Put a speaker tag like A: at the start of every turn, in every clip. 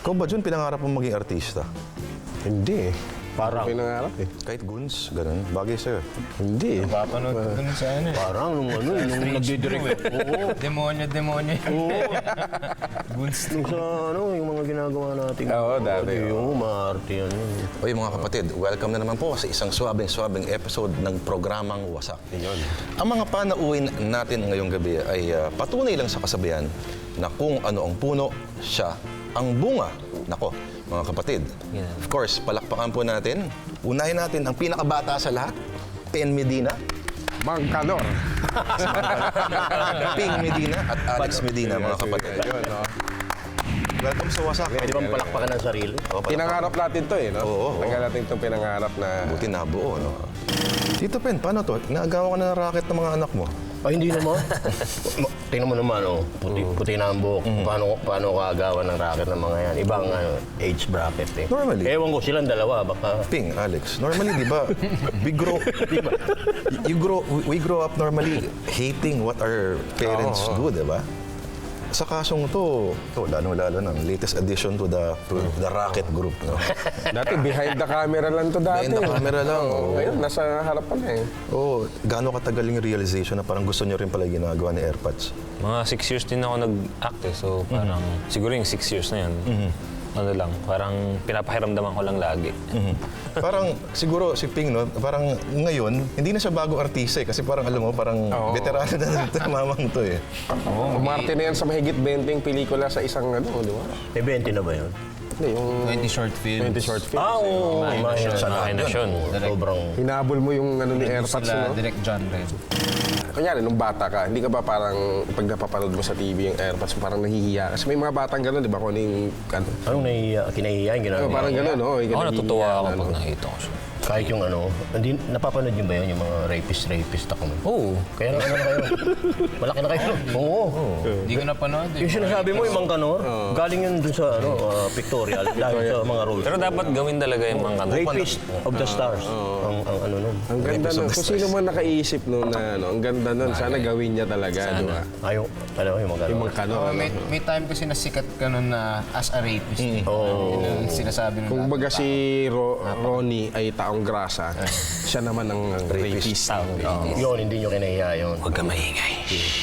A: Ikaw ba, Jun, pinangarap mo maging artista?
B: Hindi eh.
C: Parang,
B: Pinangarap eh.
A: Kahit goons, ganun, bagay sa'yo.
B: Hindi eh.
D: Papanood ko dun sa ano eh.
C: parang nung nagdidirect. Oo.
D: Demonyo.
C: Nung sa yung mga ginagawa natin.
B: Oo, dati,
C: Yung maarte yan.
A: Oy mga kapatid, welcome na naman po sa isang swabing episode ng programang Wasak. Ang mga panauhin natin ngayong gabi ay patunay lang sa kasabihan na kung ano ang puno, siya ang bunga. Nako, mga kapatid. Of course, palakpakan po natin. Unahin natin ang pinakabata sa lahat, Pen Medina,
B: Mang Calor.
A: Ping Medina at Alex Medina, mga kapatid.
B: Ayun, no?
A: Welcome sa Wasak.
C: Pwede bang palakpakan ng sarili?
B: Pinangarap natin to eh, no?
A: Oo.
B: Tagal natin itong pinangarap na...
A: Buti nabuo, no? Tito Pen, paano to? Naagawa ka na ng racket ng mga anak mo?
C: Ay, hindi naman. Tingnan mo naman, puti na ang buhok. Paano kaagawan ng racket ng mga yan? Ibang age bracket eh.
A: Normally.
C: Ewan ko, silang dalawa, baka...
A: Ping, Alex. Normally, di ba, we grow up normally hating what our parents do, di ba? Sa kasong to lalo-lalo ng latest addition to the racket group, no?
B: Dati behind the camera lang to dati.
A: Behind the camera lang, oo.
B: Ngayon, nasa harapan na eh.
A: Oh, gaano katagal yung realization na parang gusto nyo rin pala yung ginagawa ni AirPods?
E: Mga 6 years din ako nag-act eh. So parang siguro yung 6 years na yun. Ano lang, parang pinapahiramdaman ko lang lagi.
A: Parang siguro si Ping, no, parang ngayon, hindi na siya bago artista eh, kasi parang alam mo, parang veterano na ito, mamang to eh.
B: Umarte na yan sa mahigit 20 pelikula sa isang ano, di ba?
C: May 20 na ba yun?
B: Hindi, yung
D: 20 short films.
B: 20 short films.
C: Oo.
E: Imagination.
C: Sobrang...
B: Hinabol mo yung ano ni AirPods,
D: Sila,
B: no?
D: direct genre.
B: Kunyari, nung bata ka, hindi ka ba parang pag napapanood mo sa TV yung AirPods, parang nahihiya? Kasi may mga batang gano'n, di ba? Kung ano yung...
C: Anong kinahiya yung ginagawa?
B: Parang gano'n, no?
E: Ako natutuwa ako pag nakita ko siya.
C: Kahit yung hindi, napapanood nyo ba yun, yung mga rapist ako?
E: Oo.
C: Kaya na kayo. Malaki na kayo. Oo.
D: Hindi ko napanood eh.
C: Yung sinasabi mo, yung Mang Kanor, galing yun dun sa pictorial, dahil sa mga roles.
E: Pero dapat gawin talaga yung mga
C: Rapist of the Stars. Ang ano nun.
B: Ang ganda nun. Kung sino man nakaisip nun na, ang ganda nun. Sana gawin niya talaga, di ba?
C: Yung Mang Kanor.
B: Yung Mang Kanor.
D: May time kasi nasikat ka nun na as a rapist.
C: Oo.
D: Yun ang sinasabi nun.
B: Kung baga si Ronnie ay taong grasa, siya naman ang rapist.
C: Yun, hindi nyo kinahiya yun.
E: Huwag ka maingay.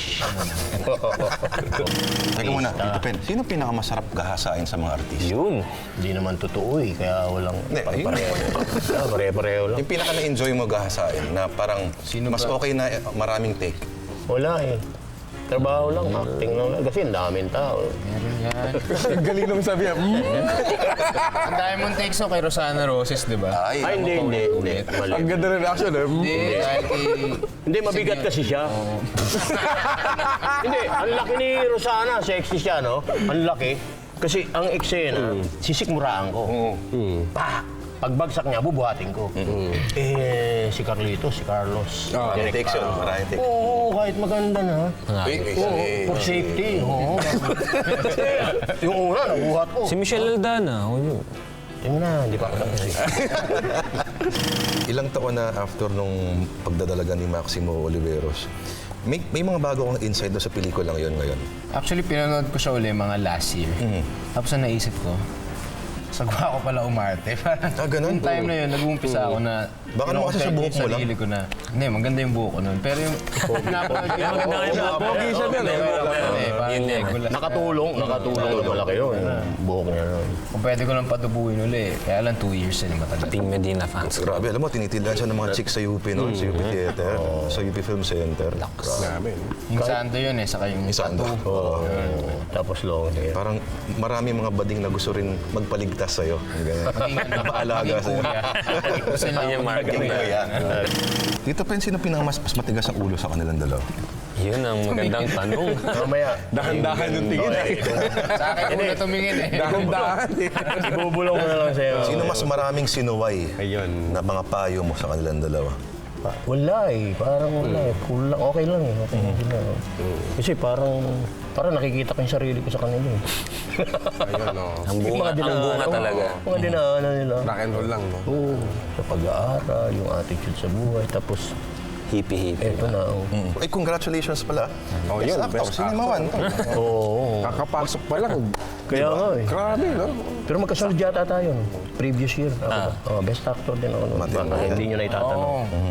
A: Teka muna, Tito Pen, sino pinakamasarap gahasain sa mga artista?
E: Yun.
C: Hindi naman totoo eh, kaya walang
A: Hindi, ayun.
C: pare-pareho lang.
A: Yung pinaka na-enjoy mo gahasain na parang mas okay na maraming take?
C: Wala eh. Trabaho lang, acting lang. Kasi ang daming tao.
D: Meron yan.
B: Galing nung sabi niya,
D: Ang dami mong takes kay Rosana Roses, di ba?
A: Ay,
C: Ay, hindi. Mali.
B: ang ganda ng reaction eh.
D: Hindi, dahil kay...
C: Hindi, mabigat kasi siya. Hindi, ang laki ni Rosana, sexy siya, no? Ang laki. Kasi ang eksena, sisikmuraan ko. Pagbagsak niya, bubuhatin ko. Si Carlitos, si Carlos.
A: maraming takes yun, maraming takes.
C: Oo, kahit maganda na. For safety. Oo. Yung una, nabuhat ko.
E: Si Michelle Aldana.
C: Yung na, hindi pa ako tapos.
A: Ilang taon na after nung pagdadalaga ni Maximo Oliveros, may mga bago kang insight doon sa pelikulang yun ngayon.
D: Actually, pinanood ko siya uli mga last year. Tapos na naisip ko, sagwa ko pala umarte.
A: Ganun?
D: Yung time na yun, nag-uumpisa ako na...
A: Baka naman kasi sa buhok mo lang.
D: Sarili ko na, hindi, maganda yung buhok ko nun. Pero yung...
B: Pogi siya din.
C: Nakatulong na malaki yun. Buhok niya nun.
D: Kung pwede ko lang patubuhin uli, kaya lang 2 years na matagal.
E: Team Medina fans.
A: Grabe, alam mo, tinitindihan siya ng mga chicks sa UP noon, sa UP Theater, sa UP Film Center.
B: Namin.
D: Yung Sando yun eh, saka yung
A: Isando.
C: Tapos long hair.
A: Parang marami mga bading na gusto rin magpaligtas sa'yo. Napaalaga sa'yo.
D: Kasi lang
E: Yung marketing.
A: Dito, Pen, sino pinakamas matigas ang ulo sa kanilang dalawa?
E: Yun ang magandang tanong.
C: Mamaya.
B: Dahan-dahan yung tingin eh.
D: Sa akin muna tumingin eh.
B: Dahan-dahan eh.
C: Ibubulong ko na lang sa'yo.
A: Sino mas maraming sinuway
B: Ayun.
A: na mga payo mo sa kanilang dalawa?
C: Wala eh. Parang wala eh. Cool lang. Okay lang eh. Okay lang. Kasi parang nakikita ko yung sarili ko sa kanila eh.
B: Ayun, no.
E: Ang bunga talaga.
C: Mga dinaanan nila.
B: Rock and roll lang, no?
C: Oo. Sa pag-aaral, yung attitude sa buhay. Tapos,
E: Hippie-hippie.
C: eto na.
A: Ay, congratulations pala.
B: Oh, yun,
A: Best actor,
B: best
A: Cinema One.
C: Oo.
B: Kakapasok pa lang,
C: Kaya nga eh.
B: Grabe, no?
C: Pero magkasunod yata tayo. No? Previous year. Ako, best actor din ako. No?
A: Matindi.
C: Baka hindi nyo na itatanong.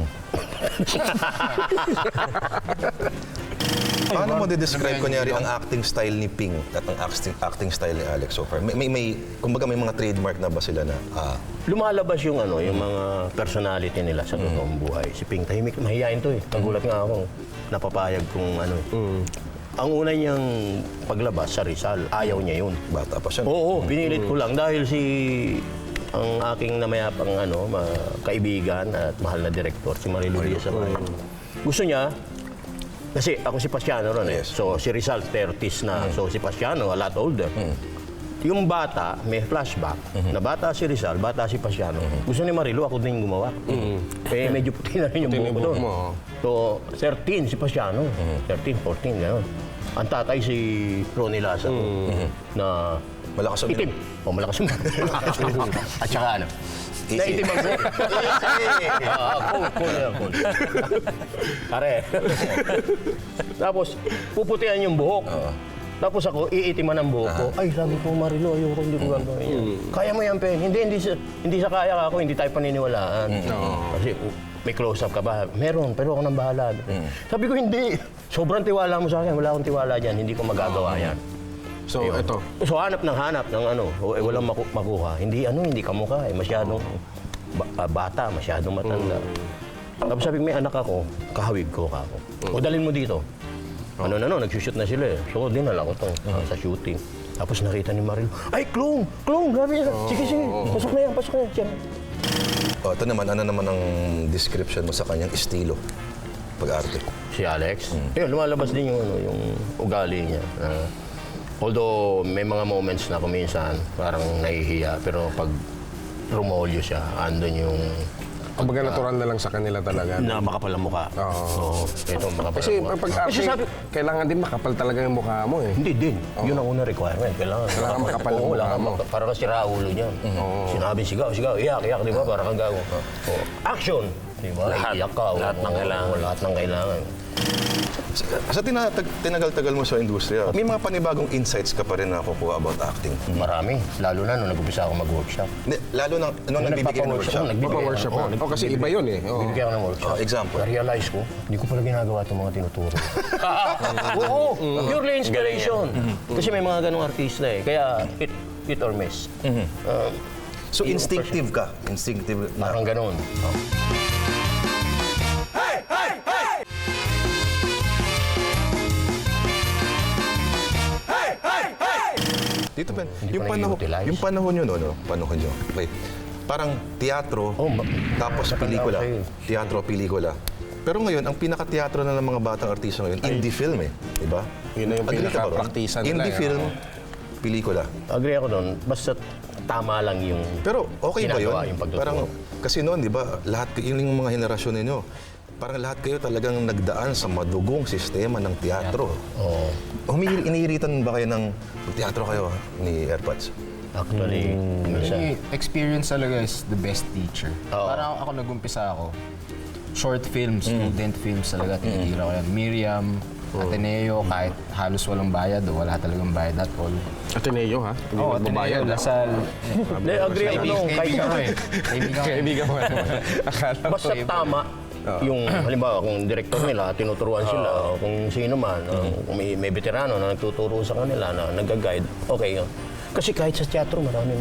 A: Paano mo describe kunyari ang acting style ni Ping at ang acting style ni Alex so far? Kumbaga may mga trademark na ba sila na,
C: Lumalabas yung yung mga personality nila sa totoong buhay. Si Ping, tahimik, mahihain to eh. Nagulat nga ako. Napapayag kung ano eh. Ang una niyang paglabas sa Rizal, ayaw niya yun.
A: bata pa siya?
C: Oo, pinilit ko lang dahil ang aking namayapang kaibigan at mahal na direktor, si Marilu Diaz Amaya. Gusto niya, kasi ako si Pasiano ron eh.
A: Yes.
C: So si Rizal 30s na. So si Pasiano, a lot older. Yung bata, may flashback, na bata si Rizal, bata si Pasiano. Gusto ni Marilu, ako din gumawa. Eh, medyo puti na rin yung buhok ko doon. So, 13 si Pasiano. 13, 14, gano'n. Ang tatay si Ronnie Laza na
A: Malakas ang
C: itim. O, malakas ang At saka ano? Na itim ang buhok. Cool. Pare. Tapos, puputihan yung buhok. Tapos ako, iitiman ang buhok ko. Ay, sabi ko, Marilo, ayoko, hindi ko gagawin yan. Kaya mo yan, Pen. Hindi sa kaya ka ako, hindi tayo paniniwalaan. Kasi may close-up ka ba? Meron, pero ako nang bahala. Sabi ko, hindi. Sobrang tiwala mo sa akin. Wala akong tiwala dyan. Hindi ko magagawa yan.
B: So, ito.
C: So, hanap ng walang makuha. Hindi kamukha eh. Masyadong bata, masyadong matanda. Tapos sabi ko, may anak ako, kahawig ko ako. O, dalhin mo dito. Nagsushoot na sila eh. So, dinala ko to sa shooting. Tapos nakita ni Maril, ay, Klong, grabe yan. Sige, pasok na yan. Siya.
A: Ito naman, ano naman ang description mo sa kanyang estilo pag-arte?
C: Si Alex. Yun, lumalabas din yung ugali niya. Although may mga moments na kuminsan parang nahihiya, pero pag rumolyo siya, andun yung
B: Kumbaga natural na lang sa kanila talaga.
C: na makapal ang mukha. Oo. Ito makapal
B: Kasi
C: ang mukha.
B: pag-arte,
C: Kasi sabi,
B: kailangan din makapal talaga yung mukha mo eh.
C: hindi din. Yun ang unang requirement. Kailangan
B: makapal ang mukha mo.
C: Para kasi raulo niyan. Sinabi sigaw, iyak, di ba? Para kang gago. Action! Di ba?
E: Lahat.
C: Iyak ka.
E: Lahat ng kailangan.
C: Lahat ng kailangan.
A: Sa tinagal-tagal mo sa industriya, may mga panibagong insights ka pa rin na nakukuha about acting.
C: Marami. Lalo na nung nag-umpisa ako mag-workshop.
A: Lalo na nung nagbibigay ng workshop.
B: Workshop ka. Kasi iba yun eh. Oo.
C: Bibigyan ako ng workshop.
A: Example.
C: Na-realize ko, hindi ko pala ginagawa itong mga tinuturo. Oo, purely inspiration. Kasi may mga ganong artista eh. Kaya hit or miss.
A: So instinctive ka? Instinctive na?
C: Parang ganon.
A: Dito pa,
C: Hindi pa na-utilize.
A: yung panahon yun, panahon yun. Okay. Parang teatro, tapos
C: matanda
A: pelikula.
C: ako sa'yo.
A: Teatro, pelikula. Pero ngayon, ang pinaka-teatro na ng mga batang artista ngayon, indie film eh. Diba?
B: Yun na yung
A: Agree ka ba ron?
B: pinaka-praktisan nila,
A: Indie
B: eh,
A: film,
B: oo.
A: pelikula.
C: Agree ako doon. Basta tama lang yung
A: Pero okay ba yun?
C: ginagawa, yung pagtuturo.
A: Parang, kasi noon, di ba, lahat, yun yung mga henerasyon ninyo, parang lahat kayo talagang nagdaan sa madugong sistema ng teatro.
C: Oo.
A: Iniiritan ba kayo ng teatro kayo ni Airpods?
C: Actually, minsan.
D: Experience talaga is the best teacher.
C: Oo.
D: Parang ako nag-umpisa ako, short films, student films talaga, tinitira ko yan. Miriam, Ateneo, kahit halos walang bayad o wala talagang bayad at all.
B: Ateneo ha? Hindi
D: Oo,
B: magbabayad,
D: Ateneo,
B: ha?
D: Lasal.
C: Hindi, agree ako doon.
D: Kaibigan ko eh.
B: Kaibigan mo. Akala ko
C: Basta tama yung, halimbawa, kung direktor nila, tinuturuan sila, o kung sino man, kung may veterano na nagtuturo sa kanila, na nag-guide, okay yun. Kasi kahit sa teatro, maraming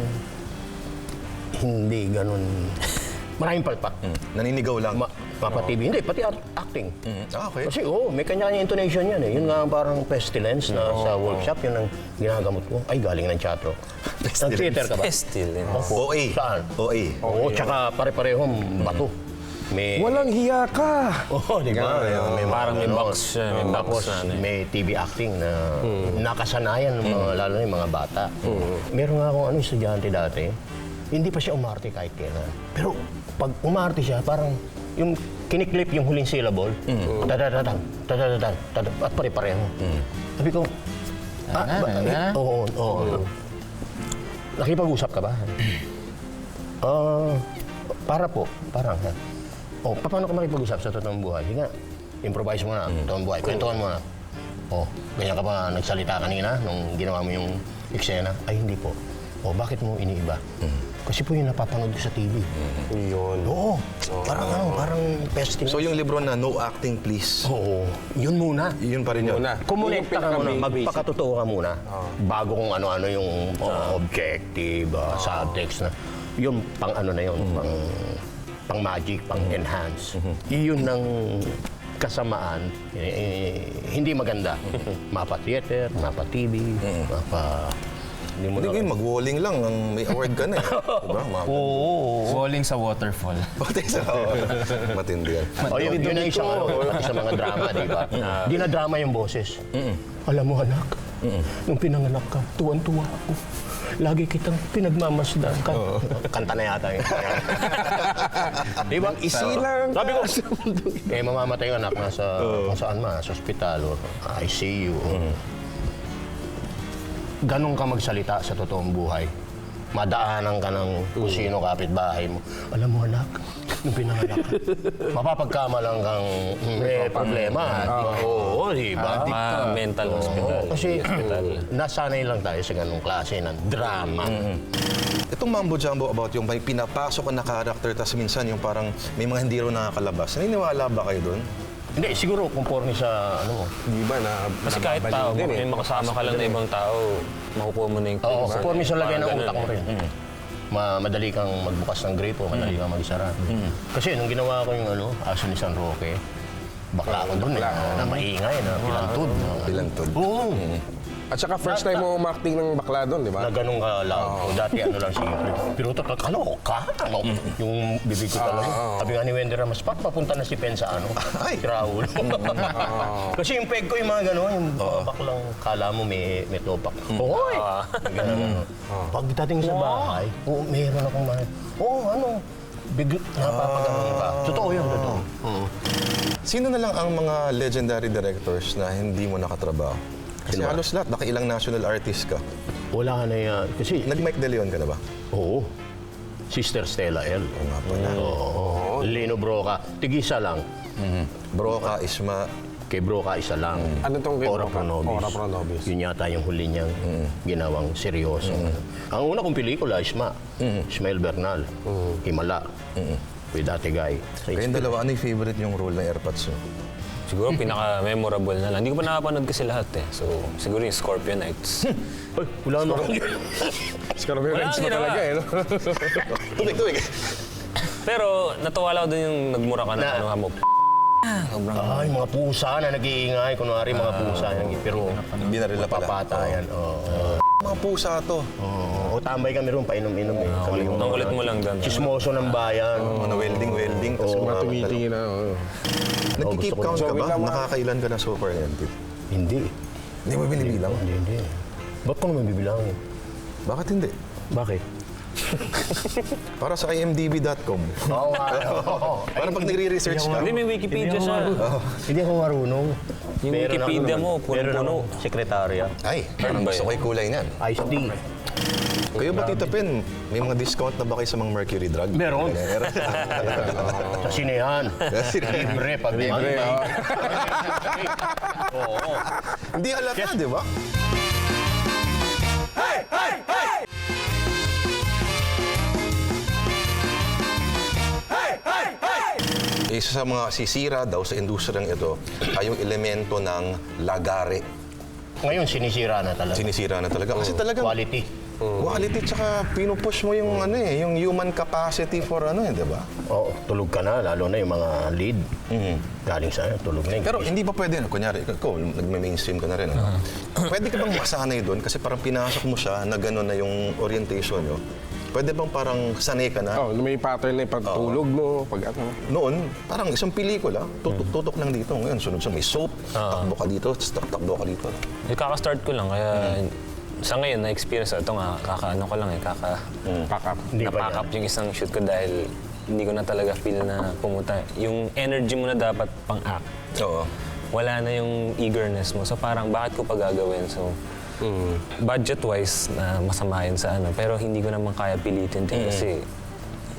C: hindi ganun, maraming palpak.
A: Naninigaw lang.
C: Mapa-TV. Hindi, pati acting.
A: Okay.
C: Kasi may kanya-kanya intonation yan eh. Yun nga parang pestilence na sa workshop, yun ang ginagamot ko. Ay, galing ng teatro. Nag-theater ka ba?
E: Still,
A: OA.
C: Saan?
A: OA.
C: Oo, tsaka pare-parehong bato. May...
B: Walang hiya ka!
C: Oo, di ba? May
E: Parang may
C: ganon.
E: box siya, may box
C: Tapos
E: na ano eh.
C: may TV acting na nakasanayan ng mga, lalo na yung mga bata. Meron nga akong estudyante dati, hindi pa siya umarte kahit kailan. Pero pag umarte siya, parang yung kiniklip yung huling syllable, tadadadang, tadadadang, at pare-pareho. Sabi ko, oo. Nakipag-usap ka ba? Parang. Paano ka makipag-usap sa totoong buhay? Sige nga, improvise mo na, totoong buhay, kwentuhan mo na. Oh, ganyan ka ba nagsalita kanina nung ginawa mo yung eksena? Ay, hindi po. Oh, bakit mo iniiba? Kasi po yung napapanood ko sa TV.
B: Yun.
C: Oo. Parang pesting.
A: So yung libro na No Acting Please,
C: Oo. Yun muna.
A: yun pa rin yun.
B: Muna.
C: Kumonekta ka muna,
B: Yung
C: magpakatotoo ka muna. Bago kung ano-ano yung objective, subtext na. Yung pang ano na yun, pang magic, pang enhance. Yun ng kasamaan, hindi maganda. Mapa theater, mapa TV, mapa... Hindi mo
A: Hindi, mag-walling lang, ang may award ka na eh. Diba?
D: Falling sa waterfall.
A: Pati sa matindi yan.
C: Yun ang isang sa mga drama, di ba? Dinadrama yung boses. Alam mo, anak, nung pinanganak ka, tuwan-tuwa ako. Lagi kitang pinagmamasdan ka. Kanta na yata yun. Di ba?
B: Isilang.
C: Sabi ko, mamamatay yung anak nasa kung saan man, sa ospital or ICU. Ganun ka magsalita sa totoong buhay. Madaanan ka ng kung sino kapitbahay mo. Alam mo, anak, nung pinanganak ka, mapapagkamalang kang may problema. Oo, di ba?
E: Mental hospital.
C: Kasi nasanay lang tayo sa ganung klase ng drama.
A: Itong mambo jumbo about yung may pinapasok na character, tas minsan yung parang may mga hindi rin nakakalabas. Naniniwala ba kayo doon?
C: Hindi, siguro conforme sa ano mo.
B: Di ba na
E: Kasi kahit tao,
B: din
E: may makasama ka lang na ibang tao, makukuha mo na yung
C: Oo,
E: clues.
C: conforme sa lagay ng
E: Parang
C: utak mo
E: ganun
C: rin. Madali kang magbukas ng gripo, madali kang magsara. Kasi nung ginawa ko yung aso ni San Roque, bakla ako doon na maingay, na pilantod.
A: Pilantod.
C: Oo.
B: At saka first time mo umakting ng bakla doon, di ba?
C: Na ganun ka loud. Dati ano lang simple. Pero ito, kalo ka? Yung bibig ko talaga. Sabi nga ni Wendy Ramos, papunta na si Pen sa ano? Ay! Si Raul. Kasi yung peg ko yung mga gano'n, yung baklang kala mo may topak. Hoy! Ganun. Pagdating sa bahay, meron akong mga, napapaganon ka. Totoo yun, totoo.
A: Sino na lang ang mga legendary directors na hindi mo nakatrabaho? Kasi
C: Sino ba?
A: halos lahat, nakailang national artist ka.
C: Wala ka na yan. Kasi,
A: Nag-Mike De Leon ka na ba?
C: oo. Sister Stella L. Oo nga pala. Oo. Lino Broca. Tigisa lang.
A: Broca, Isma,
C: Kay Broca, isa lang.
B: Ano tong kay
C: Ora
B: Broca?
C: Pro Nobis.
B: Ora Pro Nobis.
C: Yun yata yung huli niyang ginawang seryoso. Ang una kong pelikula, Isma. Ismael Bernal. Himala. With Ate Guy.
A: kayong dalawa, ano yung favorite yung role ng Airpods mo?
E: Siguro pinaka-memorable na lang. Hindi ko pa nakapanood kasi lahat eh. So, siguro yung Scorpio Nights.
C: Ay, wala naman.
B: Scorpio
E: Wala
B: Nights
E: kang
B: mo
E: ginawa.
B: talaga eh, no?
A: Tuwig.
E: Pero natuwa lang ako doon yung nagmura ka na ano mo.
C: Ay, mga pusa na nag-iingay. Kunwari, mga pusa. Pero,
A: Binaril na pala.
C: papatayan. Oo.
A: Mga pusa to.
C: O tambay kami ron, painom-inom eh. Kami yung
E: Ang kulit mo lang doon.
C: chismoso ng bayan.
A: Mga welding. Tapos
B: Mga
A: mga
B: tumitingin na.
A: Nagki-keep
C: gusto ko
A: count ka
B: yun.
A: ba? Nakakailan ka na so far yan?
C: Hindi.
A: Hindi mo binibilang?
C: Hindi. Ba't ko naman bibilangin?
A: Bakit hindi?
C: Bakit?
A: Para sa imdb.com.
C: Oo nga.
A: Para pag nagre-research ka,
E: Hindi, may Wikipedia siya.
C: Hindi ako marunong.
E: Yung Wikipedia mo,
C: meron
E: punong-puno.
C: akong sekretarya.
A: ay, parang gusto ko yung kulay niyan.
C: Iced tea.
A: Kayo ba, Tita Pen, may mga discount na ba kayo sa mga mercury drug?
C: Meron.
A: Meron.
C: Sa sinehan. Libre pag
B: Libre, oh.
C: Oo.
A: Hindi halata, di ba? Isa sa mga sisira daw sa industriyang ito ay yung elemento ng lagare.
C: Ngayon, sinisira na talaga.
A: Sinisira na talaga. Kasi talagang
C: Quality.
A: quality tsaka pinupush mo yung ano eh, yung human capacity for ano eh, di ba?
C: Oo, tulog ka na, lalo na yung mga lead. Galing sa tulog na.
A: Pero hindi pa pwede, kunyari, ikaw, nagme-mainstream ka na rin, ano? Pwede ka bang masanay doon? Kasi parang pinasok mo siya na gano'n na yung orientation nyo. Pwede bang parang sanay ka na?
B: Oh, may pattern na yung pagtulog mo, pag ano.
A: Noon, parang isang pelikula, tutok lang dito. Ngayon, sunod-sunod, may soap, takbo ka dito, takbo ka dito.
E: Kaka-start ko lang, kaya sa ngayon, na-experience ito nga, kaka-ano ko lang eh,
B: Pack up.
C: Hindi pa
E: na-pack up yung isang shoot ko dahil hindi ko na talaga feel na pumunta. Yung energy mo na dapat pang-act,
A: Oo.
E: wala na yung eagerness mo. So parang, bakit ko pa gagawin? So, budget-wise, na masama yun sa ano. Pero hindi ko naman kaya pilitin din kasi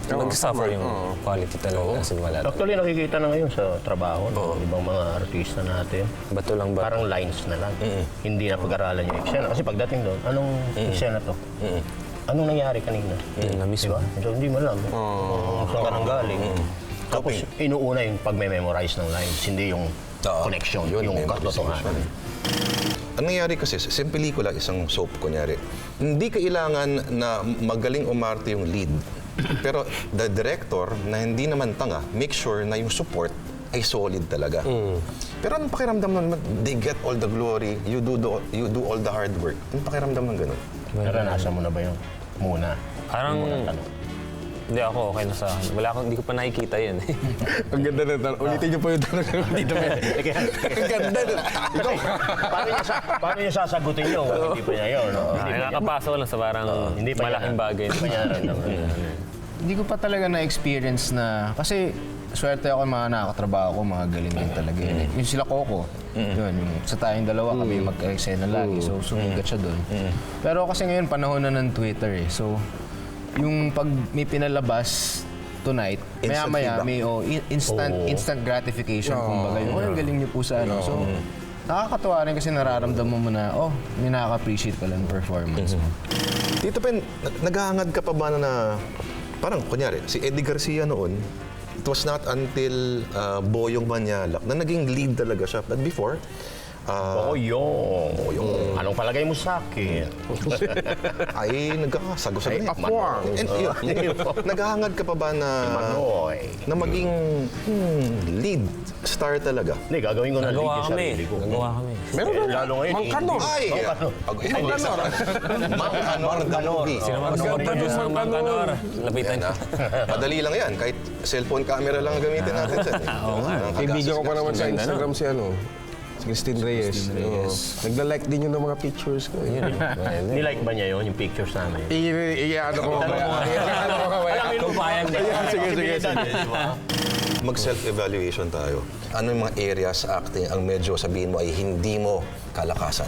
E: Nag-suffer yung quality talaga. As in, wala.
C: Actually, nakikita na ngayon sa trabaho ng ibang mga artista natin.
E: Bato lang ba?
C: Parang lines na lang. Hindi na pag-aralan yung eksena. Kasi pagdating doon, anong eksena to? Anong nangyari kanina?
E: Na mismo.
C: Diba? So, hindi mo alam. Saan ka nang galing. Tapos, inuuna yung pag-memorize ng lines, hindi yung connection, yung katotohanan.
A: Ang nangyari kasi, sa pelikula, isang soap, kunyari, hindi kailangan na magaling umarte yung lead. Pero the director, na hindi naman tanga, make sure na yung support ay solid talaga. Pero anong pakiramdam nun? They get all the glory, you do all the hard work. Anong pakiramdam ng ganun?
C: Naranasan mo na ba yun? Muna.
E: Parang, hindi ako, okay na sa akin. Hindi ko pa nakikita yun.
B: Ang ganda na tanong. Ulitin niyo po yung tanong dito. Ang ganda na.
C: Paano niya sasagutin yun? Hindi pa niya yun. No?
E: Nakakapasok lang sa parang
C: Hindi pa
E: malaking bagay.
C: Hindi pa niya naramdaman.
D: Hindi ko pa talaga na-experience na, kasi swerte ako mga nakakatrabaho ko, mga galing din talaga. Yung sila Coco, yun, yung sa tayong dalawa kami mag-eksena lagi, so sumigat siya doon. Pero kasi ngayon, panahon na ng Twitter eh. So, yung pag may pinalabas tonight,
A: Instant
D: maya-maya
A: feedback.
D: may instant gratification, kumbaga. Yung, ang galing niyo po sa ano. So, nakakatuwa rin kasi nararamdaman mo na, may nakaka-appreciate pala ng performance mo.
A: Tito Pen, naghahangad ka pa ba na parang, kunyari, si Eddie Garcia noon, it was not until Boyong Manyalak na naging lead talaga siya. But before,
C: Boyong. Anong palagay mo sa akin?
A: ay nagkakasagusan na.
B: Apuang.
A: Naghahangad ka pa ba na
C: Manoy.
A: maging lead star talaga?
C: Hindi, gagawin ko na lead
E: Nagawa
C: yung
E: kami.
C: sarili ko.
E: Nagawa kami.
B: Meron na.
C: Lalo ngayon,
B: Mang Kanor.
A: Ay! Mang Kanor the movie.
E: Sino man mag-produce ng Mang Kanor? Lapitan
A: Yan, madali lang yan. Kahit cellphone camera lang ang gamitin natin.
B: Kaibigan ko pa naman sa Instagram si si Christine Reyes. Nagla-like din yun ng mga pictures ko.
C: Nilike ba niya yun, yung pictures namin?
B: Iyaano ko kaya. Iyaano ko kaya.
C: Kung payag na.
B: Sige, sige, sige.
A: Mag-self-evaluation tayo. Ano yung mga areas sa acting ang medyo sabihin mo ay hindi mo kalakasan?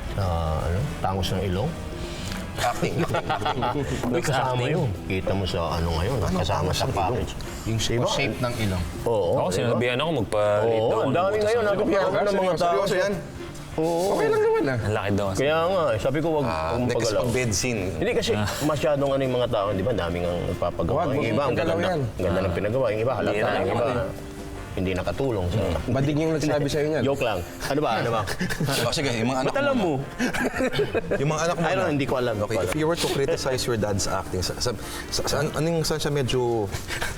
C: Tangos ng ilong?
A: Acting.
C: May kasama yun. Kita mo sa ano ngayon, kasama sa package.
D: Yung shape ng ilong.
C: Oo.
E: Ako, sinabihan ako magpa-late daw.
C: Oo, ang dami ngayon. Nagpapayaw ko ng mga tao.
A: Seryoso yan?
B: Okay lang naman
E: Ang laki daw kasi.
C: Kaya nga, sabi ko wag mong
A: Next
C: pagalaw.
A: pag bed scene.
C: Hindi kasi masyadong yung mga tao, di ba? Daming ang nagpapagawa.
B: Wag,
C: Yung iba, ang
B: magpagalaw
C: ganda,
B: yan.
C: ganda ng pinagawa. Yung iba, halata. Yung iba, hindi nakatulong sa...
B: Bading yung nagsabi sa'yo niyan.
C: Joke lang. Ano ba? Ano ba?
A: Sige, yung mga anak
C: Ba't alam mo?
A: Yung mga anak mo
C: I don't know, hindi ko alam.
A: Okay, if you were to criticize your dad's acting, saan siya medyo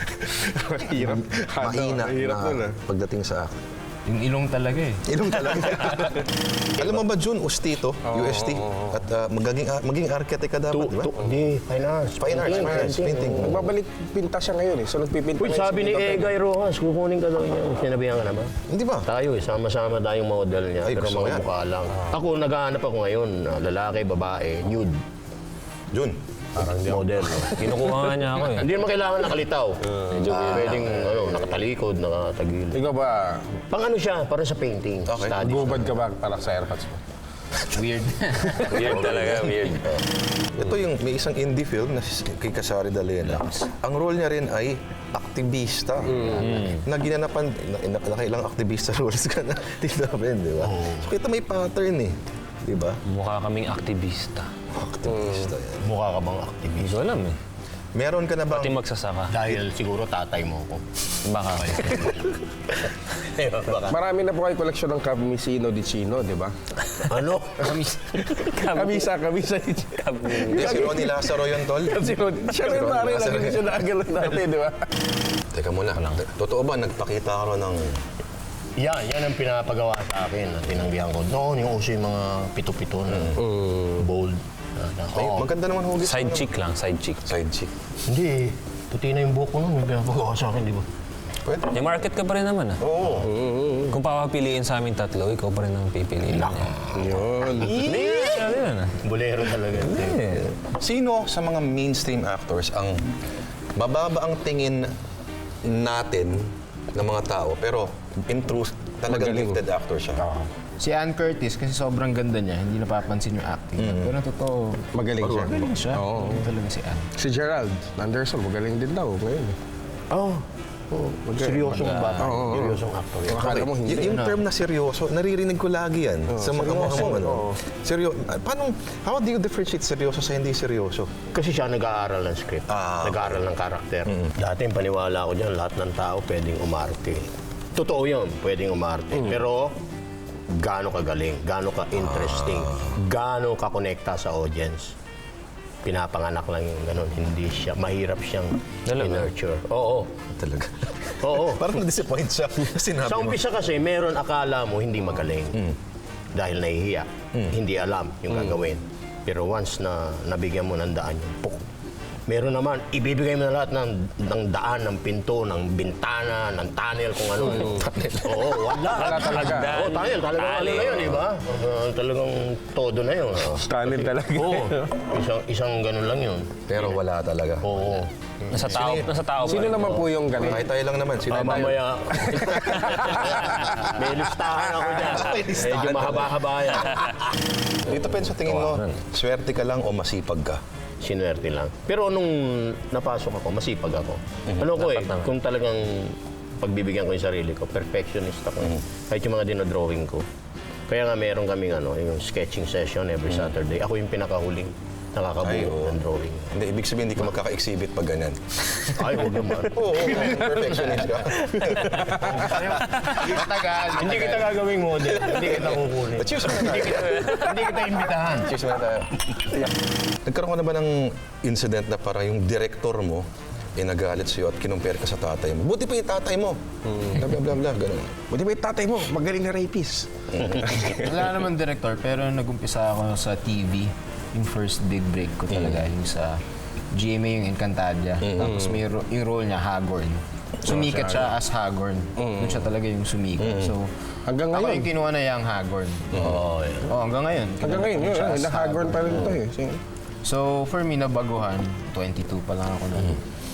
B: Hirap.
A: mahina
B: Hirap nun
A: na pagdating sa acting?
D: Yung ilong talaga eh.
A: Ilong talaga. Alam mo ba, Jun, Ustito, UST, at maging architect ka dapat, di ba?
C: Hindi, finance.
A: Fine arts, painting.
B: Nagbabalik pinta siya ngayon eh. So nagpipinta
C: Uy,
B: ngayon
C: sabi ni Egay Rojas, kukunin ka daw niya. Sinabihan ka na ba?
A: Hindi ba?
C: Tayo sama-sama tayong model niya,
A: Ay,
C: pero
A: gusto ko
C: mga
A: yan.
C: mukha lang. Ako, naghahanap ako ngayon, lalaki, babae, nude,
A: Jun.
C: model.
E: Kinukuha nga niya ako eh.
C: Hindi naman kailangan nakalitaw. Pwedeng nakatalikod, nakatagil.
B: Ikaw ba,
C: Pang ano siya, para sa painting.
A: Okay.
C: Studies.
B: gubad ka ba para sa airpods mo?
D: Weird.
E: Weird talaga, weird.
A: Ito yung may isang indie film na kay Kasari Dalena. Ang role niya rin ay aktivista. Na ginanapan, nakailang aktivista roles ka na. Tita Ben, di ba? So kita may pattern eh. Di ba?
E: Mukha kaming aktivista.
A: Aktivista yan.
C: Mukha ka bang activist?
E: Hindi ko alam eh.
A: Meron ka na
E: Pati
A: bang...
E: magsasaka.
C: Dahil siguro tatay mo ko.
E: Baka kayo.
C: Baka.
B: Marami na po kayo koleksyon ng Camisino di Chino, di ba?
C: Ano?
B: Kamisa di Chino.
A: Hindi, si Ronnie Lazaro yun, tol.
B: Siya rin pare, lagi siya nakagalan natin, di ba?
A: Teka muna. Totoo ba, nagpakita ka ron ng...
C: Yan ang pinapagawa sa akin at tinanggihan ko. Noon, yung uso yung mga pito-pito na bold.
A: Ay,
C: Oo.
A: maganda naman hugis.
E: Side chick lang, side chick.
A: Side chick.
C: Hindi, puti na yung buhok ko nun. Yung pinapagawa sa akin, di ba?
A: Pwede.
E: May market ka pa rin naman ah.
A: Oo.
E: Kung papapiliin sa amin tatlo, ikaw pa rin ang pipiliin niya.
B: Yun.
E: Hindi, ano yun ah.
C: Bolero talaga.
A: Sino sa mga mainstream actors ang mababa ang tingin natin ng mga tao, pero in truth, talagang
B: Magaling.
A: gifted actor siya?
D: Si Ann Curtis, kasi sobrang ganda niya, hindi napapansin yung acting. Pero totoo,
B: Magaling siya.
D: magaling siya.
B: Oo.
D: Magaling talaga si Ann.
B: Si Gerald Anderson, magaling din daw ngayon.
C: Oh, seryosong bata.
B: Oo.
C: Seryosong actor yan.
B: Akala mo hindi.
A: Yung term na seryoso, naririnig ko lagi yan sa mga
B: seryoso,
A: mo. Ano?
B: oo.
A: Paano, how do you differentiate seryoso sa hindi seryoso?
C: Kasi siya nag-aaral ng script, nag-aaral ng karakter. Dati paniwala ko dyan, lahat ng tao pwedeng umarte. Totoo yun, pwedeng umarte. Pero gaano ka galing, gaano ka interesting, gaano ka konekta sa audience. Pinapanganak lang yung ganun, hindi siya, mahirap siyang i-nurture. Oo,
A: Talaga.
C: oo.
A: Parang na-disappoint siya. Sinabi
C: Sa
A: mo.
C: umpisa kasi, meron akala mo hindi magaling. Dahil nahihiya. Hindi alam yung gagawin. Pero once na nabigyan mo ng daan yung puk, meron naman, ibibigay mo na lahat ng daan, ng pinto, ng bintana, ng tunnel, kung ano. Oo, wala.
B: Wala talaga.
C: Oo, tunnel. Talagang ano na yun, di ba? Talagang todo na yun.
B: Talent talaga.
C: Oo. Isang ganun lang yun.
A: Pero wala talaga.
C: Oo.
E: Nasa tao pa.
B: Sino naman po yung galing?
A: Kahit tayo lang naman. Sino tayo?
C: Mamaya. May listahan ako dyan. Medyo mahaba-haba yan.
A: Dito, Pen, sa tingin mo, swerte ka lang o masipag ka?
C: Sinuwerte lang. Pero nung napasok ako, masipag ako. Ano ko eh,
E: naman.
C: kung talagang pagbibigyan ko yung sarili ko, perfectionist ako. Kahit yung mga dinodrawing ko. Kaya nga meron kaming yung sketching session every Saturday. Ako yung pinakahuling nakakabuo ng drawing.
A: Hindi, ibig sabihin hindi ka magkaka-exhibit pag ganyan.
C: Ay, huwag naman.
A: Oo, perfectionist ka.
C: Hindi kita gagawing model. Hindi kita kukunin.
A: Cheers muna tayo.
C: Hindi kita imbitahan.
A: Cheers muna tayo. Nagkaroon ka na ba ng incident na para yung director mo nagalit sa'yo at kinumpare ka sa tatay mo? Buti pa yung tatay mo. Blah, blah, blah, blah, ganun.
B: Buti ba yung tatay mo? Magaling na rapist.
D: Wala naman director, pero nag-umpisa ako sa TV. Yung first big break ko talaga, yung sa GMA, yung Encantadia. Tapos may yung role niya, Hagorn. Sumikat siya as Hagorn. Doon siya talaga yung sumikat. So,
B: Hanggang
D: ako
B: ngayon.
D: yung kinuha na yung Hagorn.
C: Oo, eh.
D: Oh, hanggang ngayon.
B: Hanggang ngayon, yun.
D: Siya as
B: Nahagorn pa rin ito eh.
D: So, for me, nabaguhan. 22 pa lang ako na.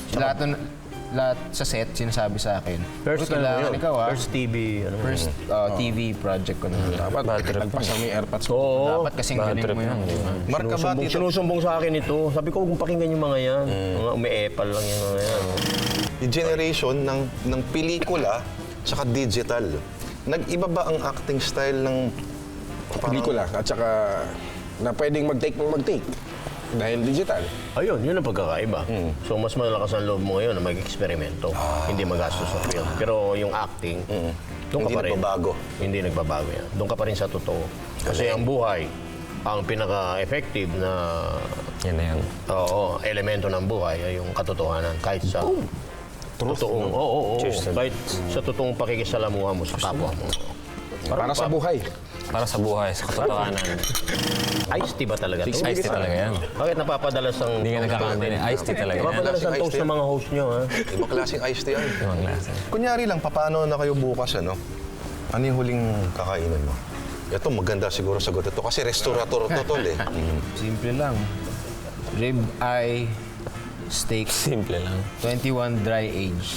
D: Lahat sa set, sinasabi sa akin.
C: First,
D: kailangan ikaw
C: First TV,
D: First TV project ko na.
B: Dapat nagpas na may airpods.
C: Oo.
D: Dapat kasing galing mo yun. di ba?
A: Marka ba dito?
C: Sinusumbong sa akin ito. Sabi ko, huwag pakinggan yung mga yan. Mga umi-epal lang yung mga yan.
A: Yung generation ng pelikula tsaka digital. Nag-iba ba ang acting style ng
B: Pelikula. At saka na pwedeng mag-take ng mag-take. Dahil digital.
C: Ayun, yun ang pagkakaiba. So, mas malakas ang loob mo ngayon na mag-eksperimento. Hindi magastos sa film. Pero yung acting, doon ka
A: Hindi
C: pa rin.
A: nagbabago.
C: Hindi nagbabago yan. Doon ka pa rin sa totoo. Kasi ang buhay, ang pinaka-effective na
E: Yan na yan.
C: elemento ng buhay ay yung katotohanan. Kahit sa totoong,
E: Cheers.
C: kahit sa totoong pakikisalamuha mo sa kapwa mo.
B: Para sa buhay.
E: Para sa buhay, sa katotohanan.
C: Iced tea ba talaga to?
E: Iced tea talaga yan.
C: Bakit napapadalas ang
E: Hindi ka nagkakamali. Iced tea talaga yan.
C: napapadalas ang toast ng mga host nyo, ha?
A: ibang klaseng iced tea yan.
E: Ibang klase.
A: Kunyari lang, paano na kayo bukas, ano? Ano yung huling kakainin mo? Ito, maganda siguro sagot ito kasi restaurator to, tol, eh.
D: Simple lang. Rib eye steak,
E: Simple lang.
D: 21 dry age.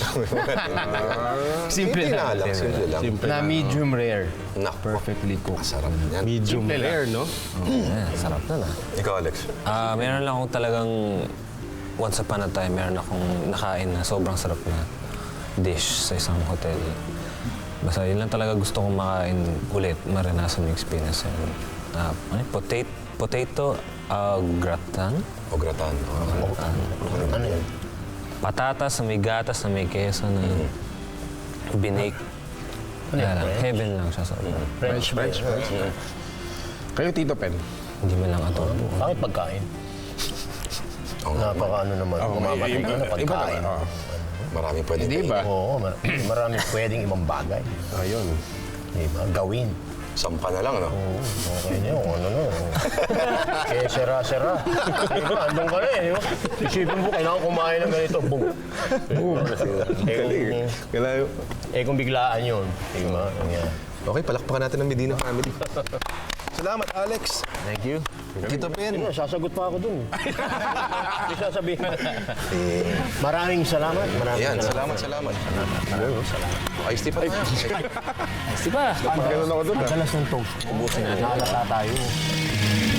D: Simple
A: Simple
D: lang.
A: lang, simple lang.
D: Na medium rare.
A: Naku,
D: Perfectly cooked.
A: sarap yan.
B: Medium rare, no?
E: Yeah, sarap na na.
A: Ikaw, Alex.
E: Meron lang akong talagang once upon a time, meron akong nakain na sobrang sarap na dish sa isang hotel. Basta yun lang talaga gusto kong makain ulit, maranasan yung experience. Potato gratin.
A: O gratin.
C: Ano yan?
E: Patatas na may gatas na may keso na binake. Heaven lang siya sa
C: French fries.
B: Kayo, Tito Pen.
E: Hindi man lang adobo.
C: Bakit pagkain? Napaka ano naman, umabatid na na pagkain.
A: Marami pwede.
D: Hindi ba?
C: Oo, marami pwedeng ibang bagay.
B: Ayun.
C: Diba? Gawin.
A: Sampa na lang, no?
C: Oo, okay na yun. Ano na. Kaya sera-sera. Diba? Andun ka na eh. Diba? Isipin mo, kailangan kumain ng ganito. Boom. Kung biglaan yun. Diba? Ang yan.
A: Okay, palakpakan natin ang Medina family. Salamat, Alex.
C: Thank you.
A: Tito Ben.
C: Yun, sasagot pa ako dun. May sasabihin. Maraming salamat.
A: Ayan, salamat. Ayos di pa tayo.
B: Ganun ako doon.
C: Ang galas ng toast.
E: Ubusin natin.
C: Nakalata tayo.